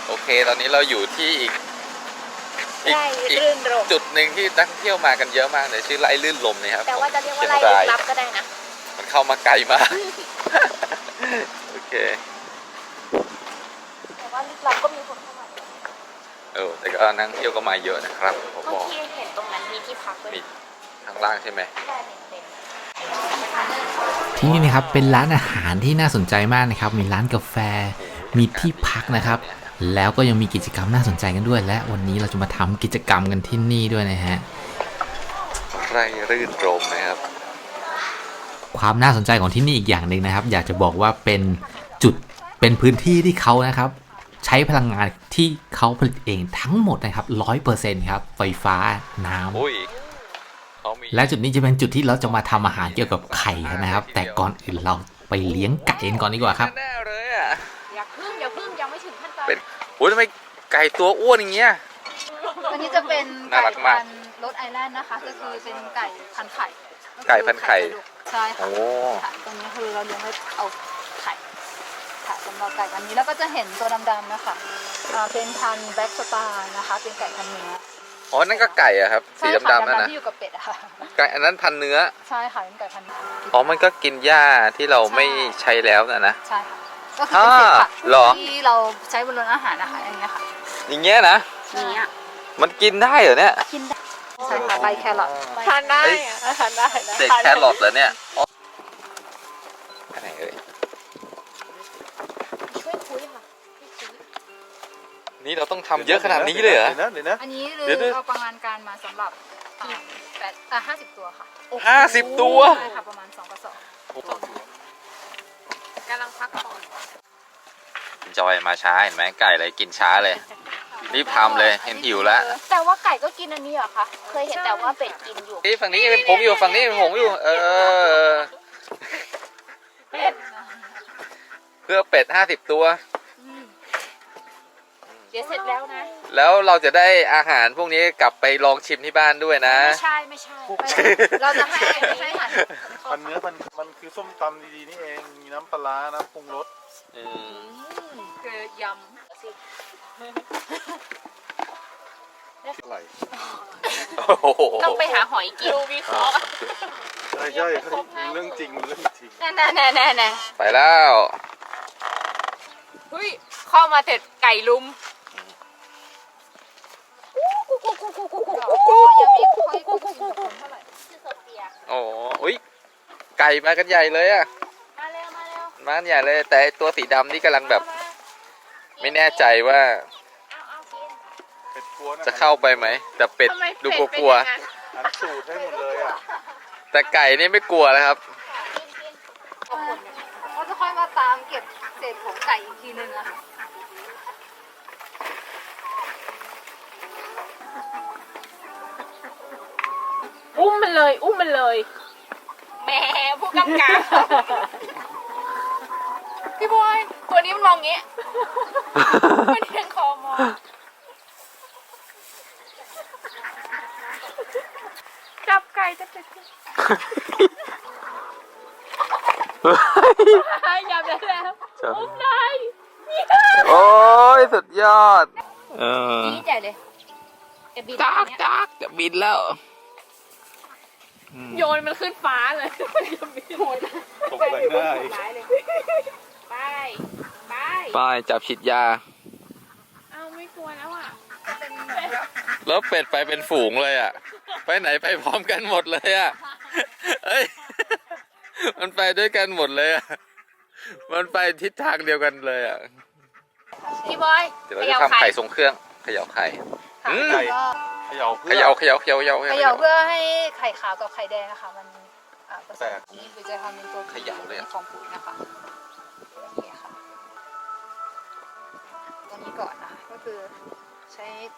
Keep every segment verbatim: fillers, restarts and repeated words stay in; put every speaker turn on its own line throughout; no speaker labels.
โอเคตอนนี้เราอยู่ที่อีกอีก
ไร่
อีก
รื่นรม
จุดหนึ่งที่นักท่องเที่ยวมากันเยอะมากเลยชื่อไร่ลื่นลมนะครับ
แต่ว่าจะเรียกว่า
ชี
ไร่
ง
ลึ
ราก
ลับก็ได้นะ
มันเข้ามาไกลมาก โอเค
แต่ว่าลึกลับก็มีคนเข้ามา
เออแต่ก็นักท่องเที่ยวก็มาเยอะนะครับผม
เมื่
บ
อ
อก
กี้เห็นตรงนั้นมีที่พักด้วย
มีข้างล่างใช่ไหม
ได้เต็ม
ที่นี่นะครับเป็นร้านอาหารที่น่าสนใจมากนะครับมีร้านกาแฟมีที่พักนะครับแล้วก็ยังมีกิจกรรมน่าสนใจกันด้วยและวันนี้เราจะมาทำกิจกรรมกันที่นี่ด้วยนะฮะ
ไร่รื่นรมนะครับ
ความน่าสนใจของที่นี่อีกอย่างหนึ่งนะครับ อยากจะบอกว่าเป็นจุดเป็นพื้นที่ที่เขานะครับใช้พลังงานที่เขาผลิตเองทั้งหมดนะครับร้อยเปอร์เซ็นต์ครับไฟฟ้าน้ำ
อุ้ยเขามี
และจุดนี้จะเป็นจุดที่เราจะมาทำอาหารเกี่ยวกับไข่กันนะครับ แต่ก่อนอื่นเราไปเลี้ยงไก่กันก่อนดีกว่าครับ
แน่ๆเลยอ่ะ
อย่าพึ่งอย่าพึ่งยังไม่ถึงขั้นตอน
เป็นโอ้ยทำไมไก่ตัวอ้วนอย่างเงี้ย
ตัวนี้จะเป็น
น่า
ไก่
รักมาก
พันธุ์รสไอแลนด์นะคะ ก็คือเป็นไก่พันธุ์ไข่
ไก่พันธุ์ไข่
ใช่ค่ะ
โอ้
ค่ะตรงนี้คือเราเลี้ยงไว้เอาไข่ค่ะสำหรับไก่พันธุ์นี้แล้วก็จะเห็นตัวดำๆนะคะอ่าเป็นพันธุ์แบล็กสตาร์นะคะ เป็นไก่พันธุ์เนื้อ
อ๋อนั่นก็ไก่อะครับสี
ใช่ค่ะ
ดำๆนั่นนะ
ที่อยู่กับเป็ดอะค่ะ
ไก่อันนั้นพันเนื้อ
ใช่ค่ะเป็นไก่พันธุ์เนื้อ
อ๋อมันก็กินหญ้าที่เราไม่ใช้แล้วนะนะ
ใช่ค่ะก็คือเป็นเศษผัก
อ่าเหรอ
ที่เราใช้บนรถอาหารนะคะอย่างเงี้ยค่ะ
อย่างเงี้ยนะ
นี้อ่ะ
มันกินได้เหรอเนี่ย
กินได้ใช่ค่ะใบแครอท
ทานได้อะทานได้นะ
เศษแครอทเหรอเนี่ยอ๋ออันไหนเอ่ย
ช่วยคุยค่ะช่วยคุย
นี่เราต้องทำเยอะขนาดนี้เลยเหรอ
เดี๋ยวนะเดี๋ยวนะ
อันนี้
เดี๋ยว
คือ
ๆ
เราประมาณการมาสำหรับอ่าแปดอ่าห้าสิบตัวค่ะ
ห้าสิบตัว
ใช่ค่ะประมาณสองกระสอบ
กำลังพักผ่อน
จอยมาช้าเห็นไหมไก่เลยกินช้าเลย รีบทำเลยเห็นหิวแล้ว
แต่ว่าไก่ก็กินอันนี้เหรอคะ เคยเห็นแต่ว่าเป็ดกินอยู่
นี่ฝั่งนี้เป็นผงอยู่ฝั่งนี้เป็นผงอยู่ เออ
เป็ด
เพื่อเป็ดห้าสิบตัว
เดี๋ยวเสร็จแล้วนะ
แล้วเราจะได้อาหารพวกนี้กลับไปลองชิมที่บ้านด้วยนะ
ไม่ใช่ไม่ใช่
เราจะให้ไม่ให้หัน
พันเนื้อพันมันคือส้มตำดีๆนี่เอง มีน้ำปลาร้าน้ำปรุงรส
อืม
คือย
อร่อย
โอ้โห
ต้องไปหาหอยกินดูวิเคราะห์
ใช่ใช่เรื่องจริงเรื่องจริง
แน่แน่แน่แน่แน่
ไปแล้ว
เฮ้ยเข้ามาเสร็จไก่ลุม
ำยังไม่ค่อยคุ้นเท่าไหร่
ชื่อโซเฟีย
โอ้โหอุ๊ยไก่มากันใหญ่เลยอะ
มาเร็วมาเร็ว
มากันใหญ่เลย แต่ไอ้ตัวสีดำนี่กำลังแบบ ไม่แน่ใจว่า
เอาเอากิน
เป็ดกลัวนะ
จะเข้าไปไหม แต่เป็ด
ทำไม
ดู
เป็ด
กลัว
เป็นอย่างนั้น
หันสูตรให้หมดเลยอ่ะ
ๆแต่ไก่นี่ไม่กลัวแล้วครับ
เขาจะค่อยมาตามเก็บเศษของไก่อีกทีนึงอะค่ะ
อุ้มมันเลย อุ้มมันเลยแหมผู้กำกับพี่บอยตัวนี้มันมองงี้ มันเอียงคอมองจับไก่จับไก่ยับได้แล้วอุ้มเลย
โอ้ยสุดยอด เออ
นี่ใหญ่เลยจะบิน
จัก
เนี้ย
จักจะบินแล้ว
โยนมันขึ้นฟ้าเลยจะบินโหด
ตกใส่หน้าอีก
ไปไป
ไปจับฉีดยา
เอาไม่กลัวแล้วอ่ะ
แล้วเป็ดไปเป็นฝูงเลยอ่ะ ไปไหนไปพร้อมกันหมดเลยอ่ะ เอ้ย มันไปด้วยกันหมดเลยอ่ะ มันไปทิศทางเดียวกันเลยอ่ะ
พี่บอย
เดี๋ยวเราจะทำไข่ทรงเครื่องเขย่าไข่อืม
ไก่
ก็
เขย่า
เข
เพื่อ
ย่าเขย่าเขย่าเขย่า
เขย่าเพื่อให้ไข่ขาวกับไข่แดงนะคะมันอ่าผส
แต
ม
ก
นี่คือจะทำเป็นตัว
เขย่าเลยอะ
ของปุ๋ยนะคะนี่ค่ะตัวนี้ก่อนนะคะก็คือใช้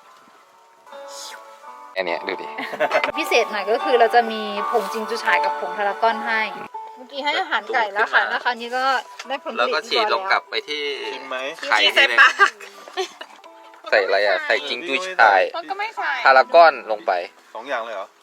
อันเนี้ยดูดิ
พิเศษหน่อยก็คือเราจะมีผงจิงจูฉายกับผงพารากอนให้ เมื่อกี้ให้อาหารไก่แล้วค่ะนะคะนี่ก็ได้ผลผลิต
แล้วก็ฉีดลงกลับไปที่
ชิมไหม
ไข่ทีนึงใส่อะไรอ่ะ ใส่จิงจูชาย
มันก็ไม่ใส่
พารากอนลงไป
สองอย่างเลยเหรอ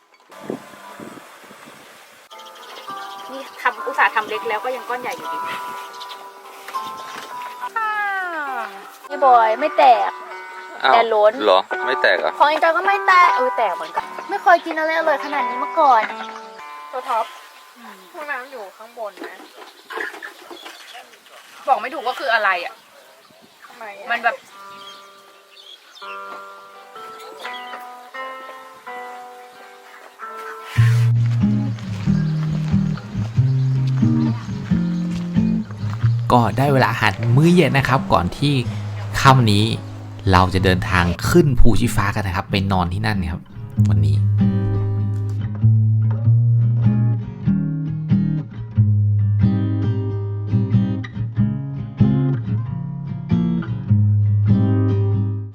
นี่ทำอุตส่าห์ทำเล็กแล้วก็ยังก้อนใหญ่อยู่ดี
พี่บอยไม่แตก
อ้าว
แต่ล้น
เหรอ ไม่แตกเหรอ่ะ
ของอินจอยก็ไม่แตกเออแตกเหมือนกันไม่เคยกินอะไรอร่อยขนาดนี้มาก่อน
ตัวท็อปห้องน้ำอยู่ข้างบนนะ บอกไม่ถูกว่าคืออะไรอ่ะทำไมมันแบบ
ก็ได้เวลาอาหารมื้อเย็นนะครับ ก่อนที่ค่ำนี้เราจะเดินทางขึ้นภูชีฟ้ากันนะครับไปนอนที่นั่นครับวันนี้